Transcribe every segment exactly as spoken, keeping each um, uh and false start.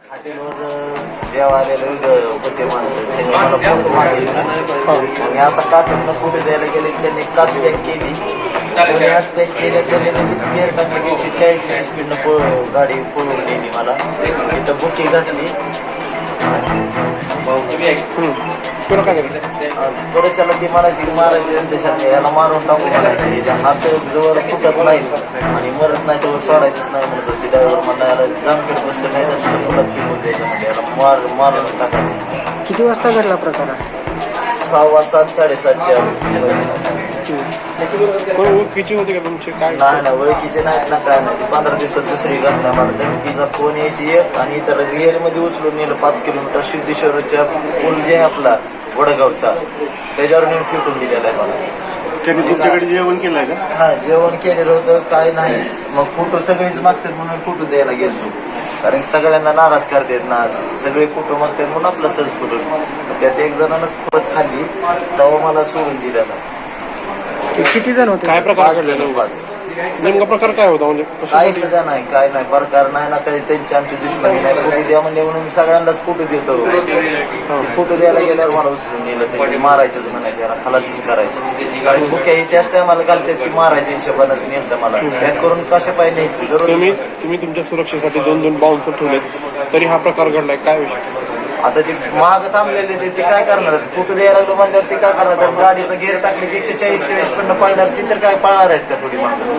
हॉटेलवर जेव्हा आलेले होते माणसं त्यांनी मला फोटो मागितला. मी असा काचतनं फोटो द्यायला गेले की त्यांनी काच पॅक केली. पॅक केली त्यांनी लगेच गेअर टाकले की एकशे चाळीसच्या स्पीडनं पळ गाडी पळवून नेली मला. इथं बुकी घातली. पुढच्याला ती म्हणायची मारायची देशाने याला मारून टाकू म्हणायची. हात जवळ फुटत नाही आणि मरत नाही तेव्हा सोडायचंच नाही म्हणत होती. ड्रायव्हर म्हणायला जामखेड बसलं नाही तर तिथं फुटत पिकून द्यायच्यामध्ये याला मार मारून टाकायचं. किती वाजता घडला प्रकार? सहावा सात साडेसातच्या ओळखीचे होते का तुमचे? काय नाही ना ओळखीचे नाहीत ना काय नाही. पंधरा दिवसात दुसरी घटना मला धमकीचा फोन यायची एक आणि इतर रिअलमध्ये उचलून नेलं पाच किलोमीटर सिद्धेश्वरच्या पूल जे आहे आपला वडगावचा त्याच्यावर नेऊन फिटून दिलेला आहे मला. त्यांनी तुमच्याकडे जेवण केलंय का? हा जेवण केलेलं होतं काय नाही. मग फोटो सगळेच मागतात म्हणून फोटो द्यायला गेलो. कारण सगळ्यांना नाराज करतात ना सगळे फोटो मागतात म्हणून आपला सहज फोटो. त्यात एक जणांना खोत खाल्ली तेव्हा मला सोडून दिलेला. किती जण होते? काय प्रकार घडलेला? पाच. नेमका प्रकार काय होता? म्हणजे काही सुद्धा नाही काय नाही प्रकार नाही ना काही त्यांची आमची दुश्मनी नाही. फोटो द्या म्हणजे म्हणून मी सगळ्यांनाच फोटो देतो. फोटो द्यायला गेल्यावर मला उचलून नेलं त्यांनी मारायचंच म्हणायचं याला खलासीच करायचं. कारण बुक्याही त्याच टायमाला घालतात की मारायच्या हिशोबानंच नेलं मला. बॅक करून कशा पाहिजे न्यायचं. तुम्ही तुम्ही तुमच्या सुरक्षेसाठी दोन दोन बाउन्सर ठेवलेत तरी हा प्रकार घडलाय. काय विषय? आता ते महाग थांबलेले ते ते काय करणार? फोटो द्यायला लागलो म्हणल्यावर ते काय करणार? तर गाडीचं गेअर टाकले की एकशे चाळीस चाळीस पण पळणार ती तर काय पळणार आहेत का थोडी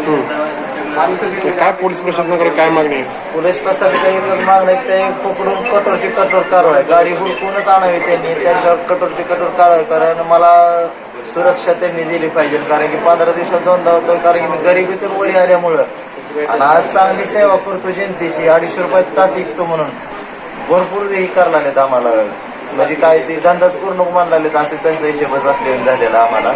मागं? काय पोलीस प्रशासनाकडे काय मागणी आहे? पोलीस प्रशासनाकडे एकच मागणं आहे ते पकडून कठोरची कठोर कारवाई गाडी हुडकूनच आणावी त्यांनी त्याच्यावर कठोरची कठोर कारवाई. कारण मला सुरक्षा त्यांनी दिली पाहिजे. कारण की पंधरा दिवसात दोनदा होतो. कारण की मी गरिबीतून वरी आल्यामुळं आणि आज चांगली सेवा करतो जनतेची. अडीचशे रुपयात का टिकतो म्हणून भरपूर हे करायला लागलेत आम्हाला. म्हणजे काय ते धंदाच पूर्ण मान लागलेत असे त्यांचा हिशोबच असलेला झालेला आम्हाला.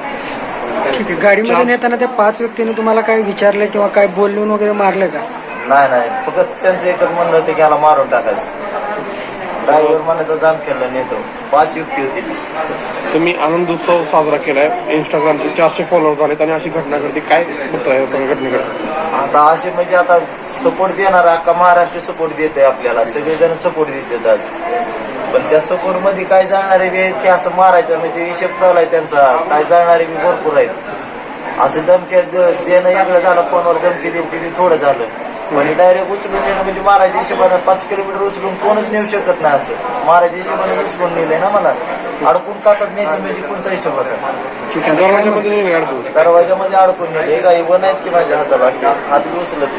ठीक आहे. गाडीमध्ये नेताना त्या पाच व्यक्तींनी तुम्हाला काय विचारलं किंवा काय बोलून वगैरे मारलं का? नाही नाही फक्त त्यांचं एकच म्हणलं होतं की याला मारून टाकायचं. ड्रायव्हर मनाचा जाम केला नेतो. पाच युक्ती होती. तुम्ही आनंद उत्सव साजरा केलाय. इंस्टाग्रामचे चारशे फॉलोअर झालेत आणि अशी घटना घडते. काय बघताय या सगळ्या घटनेकडे? आता असे म्हणजे आता सपोर्ट देणार अख्खा महाराष्ट्र सपोर्ट देत आहे आपल्याला. सगळेजण सपोर्ट देतात आज. पण त्या सपोर्ट मध्ये काय जाणारे बी आहेत की असं मारायचं म्हणजे हिशेब चालू आहे त्यांचा. काय जाणारे बी भरपूर आहेत. असं धमकी देणं वेगळं झालं. फोनवर धमकी दिली किती थोडं झालं. म्हणजे डायरेक्ट उचलून नेलं म्हणजे मारायच्या हिशोबानं पाच किलोमीटर उचलून कोणच नेऊ शकत नाही. असं मारायच्या हिशोबाने उचलून नेलंय ना मला. अडकून काचत न्यायचं म्हणजे कोणचा हिशोब होता? ठीक आहे. दरवाजामध्ये नाही अडकून दरवाजामध्ये अडकून नेले. काही वन आहेत की माझ्या हाताला हात बी उचलत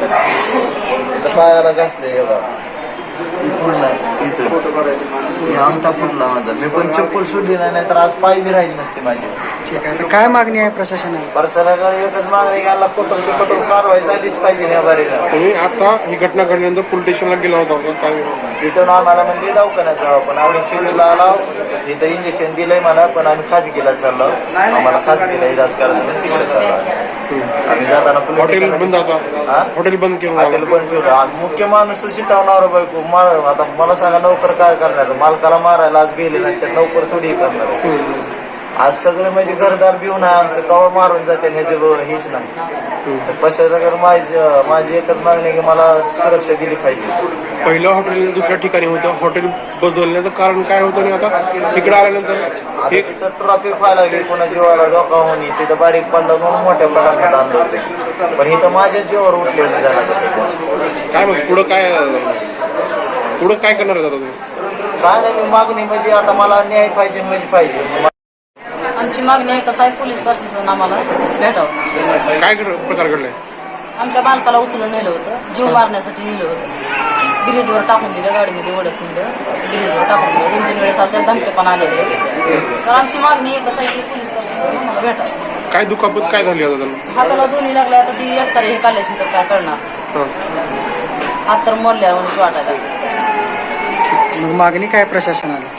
नाही. पायाला घासले एवढा इकडून नाही इथं आमटा फुटला माझा. मी पण चप्पल सोडली नाही तर आज पाय बी राहिली नसते माझी. ठीक आहे. तर काय मागणी आहे प्रशासनाला? प्रशासनाकडे एकच मागणी घ्यायला कठोर ते कठोर कारवाई झालीच पाहिजे या बारीनं. तुम्ही आता ही घटना घडल्यानंतर पोलीस स्टेशनला गेला होता का? काय तिथून आम्हाला म्हणजे दवाखान्यात जावं पण आम्ही सिव्हिलला आलो. इथं इंजेक्शन दिलंय मला पण आम्ही खासगीला चाललो. आम्हाला खासगीला इलाज करायचं म्हणून तिकडे चाललो. आम्ही जाताना हॉटेल बंद होता. हॉटेल बंद केलं. हॉटेल बंद ठेवलं. मुख्य माणूस शिटावणार बायको मार. आता मला सांगा नोकर काय करणार? मालकाला मारायला आज गेले नाही तर नोकर थोडी करणार. आज सगळे म्हणजे घरदार भिवून आहे आमचं कवा मारून जाते ह्याची हीच नाही. प्रशासनाकडे माझी माझी एकच मागणी की मला सुरक्षा दिली पाहिजे. पहिलं हॉटेल दुसऱ्या ठिकाणी होतं. हॉटेल बदलण्याचं कारण काय होतं आणि आता इकडे आल्यानंतर तिथं ट्रॉफिक व्हायला लागली. कोणा जीवाला धोका होणी तिथं बारीक पडला म्हणून मोठ्या पटापट आणलं होते. पण इथं माझ्या जीवावर उठलेलं झालं सध्या. काय मग पुढं काय पुढं काय करणार आहे तुम्ही? काय नाही मी मागणी म्हणजे आता मला न्याय पाहिजे म्हणजे पाहिजे. आमची मागणी एकच आहे. पोलीस प्रशासन आम्हाला भेटावं. काय प्रकार घडलाय? आमच्या बालकाला उचलून नेलं होतं. जीव मारण्यासाठी नेलं होतं. गिरीजवर टाकून दिलं. गाडीमध्ये ओढत नेलं. गिरीजवर टाकून दिलं. दोन तीन वेळेस अशा धमके पण आलेले. तर आमची मागणी एकच आहे की पोलीस प्रशासन आम्हाला भेटावं. काय दुखापत काय झाली आता त्यांना? हाताला दोन्ही लागल्या. आता ती एक सारे हे काढल्याशी तर काय करणार? हात तर मोडल्या म्हणजे वाटायला. मग मागणी काय प्रशासनाला?